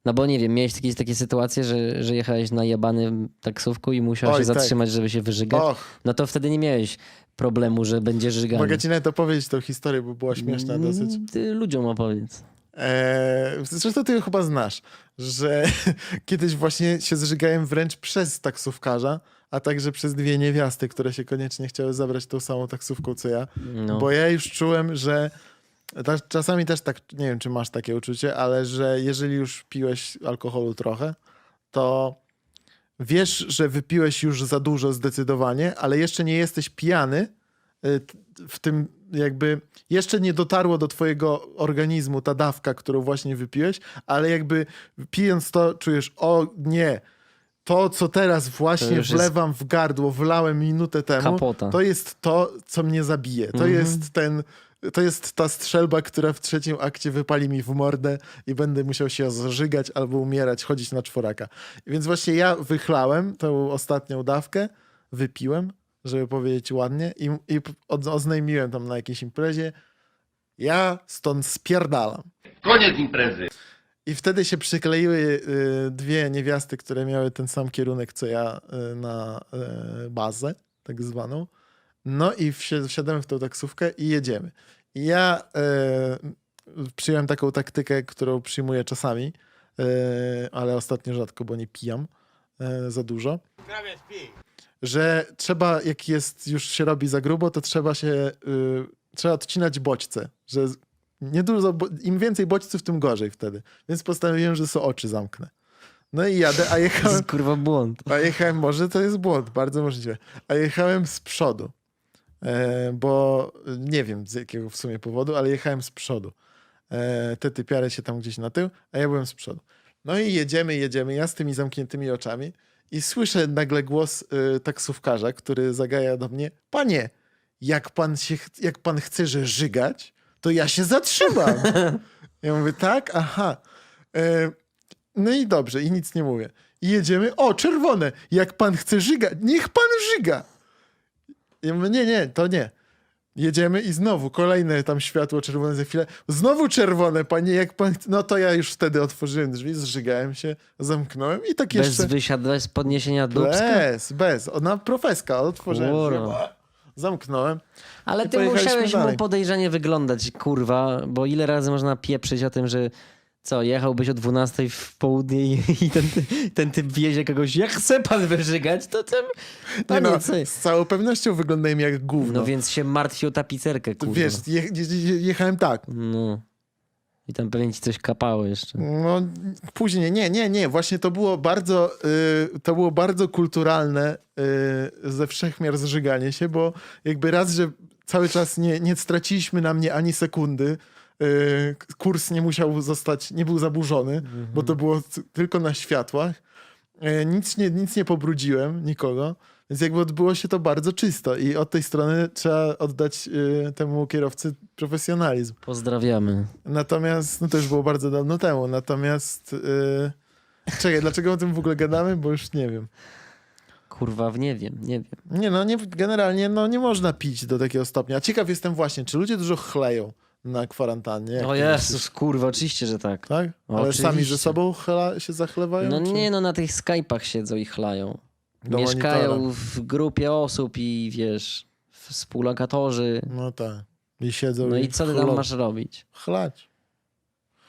No bo nie wiem, miałeś jakieś takie sytuacje, że jechałeś na jebanym taksówku i musiałeś Oj, się tak. zatrzymać, żeby się wyżygać? Och, No to wtedy nie miałeś problemu, że będzie żyganie. mogę ci nawet opowiedzieć tą historię, bo była śmieszna dosyć. Ty ludziom opowiedz. Zresztą ty ją chyba znasz, że kiedyś właśnie się zżygałem wręcz przez taksówkarza, a także przez dwie niewiasty, które się koniecznie chciały zabrać tą samą taksówką co ja. No. Bo ja już czułem, że czasami też tak, nie wiem czy masz takie uczucie, ale że jeżeli już piłeś alkoholu trochę, to wiesz, że wypiłeś już za dużo zdecydowanie, ale jeszcze nie jesteś pijany, w tym jakby jeszcze nie dotarło do twojego organizmu ta dawka, którą właśnie wypiłeś, ale jakby pijąc to czujesz, o nie, to co teraz właśnie już jest wlewam w gardło, wlałem minutę temu, kapota. to jest to, co mnie zabije. To jest ta strzelba, która w trzecim akcie wypali mi w mordę i będę musiał się zżygać albo umierać, chodzić na czworaka. Więc właśnie ja wychlałem tą ostatnią dawkę, wypiłem, żeby powiedzieć ładnie i oznajmiłem tam na jakiejś imprezie, ja stąd spierdalam. Koniec imprezy. I wtedy się przykleiły dwie niewiasty, które miały ten sam kierunek co ja na bazę, tak zwaną. No i wsiadamy w tą taksówkę i jedziemy. I ja przyjąłem taką taktykę, którą przyjmuję czasami, ale ostatnio rzadko, bo nie pijam za dużo. Że trzeba, jak jest, już się robi za grubo, to trzeba odcinać bodźce, że nie dużo, im więcej bodźców, tym gorzej wtedy. Więc postanowiłem, że sobie oczy zamknę. No i jadę, a To jechałem, jest kurwa błąd. może to jest błąd, bardzo możliwe, a jechałem z przodu, bo nie wiem z jakiego w sumie powodu, ale jechałem z przodu. Te typiary się tam gdzieś na tył, a ja byłem z przodu. No i jedziemy, ja z tymi zamkniętymi oczami i słyszę nagle głos taksówkarza, który zagaja do mnie, panie, jak pan chce, że żygać, to ja się zatrzymam. Ja mówię, tak? Aha. No i dobrze, i nic nie mówię. I jedziemy, o, czerwone, jak pan chce żygać, niech pan żyga. Ja mówię, nie, to nie. Jedziemy i znowu kolejne tam światło czerwone za chwilę. Znowu czerwone, panie, jak pan chce. No to ja już wtedy otworzyłem drzwi, zżygałem się, zamknąłem i tak jeszcze... Bez podniesienia dubska? Bez. Ona profeska, otworzyłem drzwi, Kurwa. zamknąłem. Ale I ty pojechaliśmy musiałeś dalej. mu podejrzanie wyglądać, kurwa, bo ile razy można pieprzyć o tym, że co, jechałbyś o 12 w południe i ten typ wiezie kogoś, jak chce pan wyżygać, to ten... Nie Panie, no, co? z całą pewnością wyglądałem jak gówno. No więc się martwi o tapicerkę, kurwa. Wiesz, jechałem tak. No. I tam pewnie ci coś kapało jeszcze. No, później, nie. Właśnie to było bardzo kulturalne ze wszechmiar zżyganie się, bo jakby raz, że cały czas nie straciliśmy na mnie ani sekundy, kurs nie był zaburzony, bo to było tylko na światłach. Nic nie pobrudziłem, nikogo. Więc jakby odbyło się to bardzo czysto i od tej strony trzeba oddać temu kierowcy profesjonalizm. Pozdrawiamy. Natomiast, no to już było bardzo dawno temu, natomiast czekaj, dlaczego o tym w ogóle gadamy? Bo już nie wiem. Kurwa, nie wiem. Generalnie nie można pić do takiego stopnia. A ciekaw jestem właśnie, czy ludzie dużo chleją na kwarantannie? Jak O ty Jezus, myślisz? kurwa, oczywiście, że tak. Tak? Ale Oczywiście. sami ze sobą się zachlewają? No czy... nie, no na tych Skype'ach siedzą i chlają. Do Mieszkają monitora. w grupie osób i wiesz, współlokatorzy. No tak. I siedzą No i co ty tam chlą. masz robić? Chlać.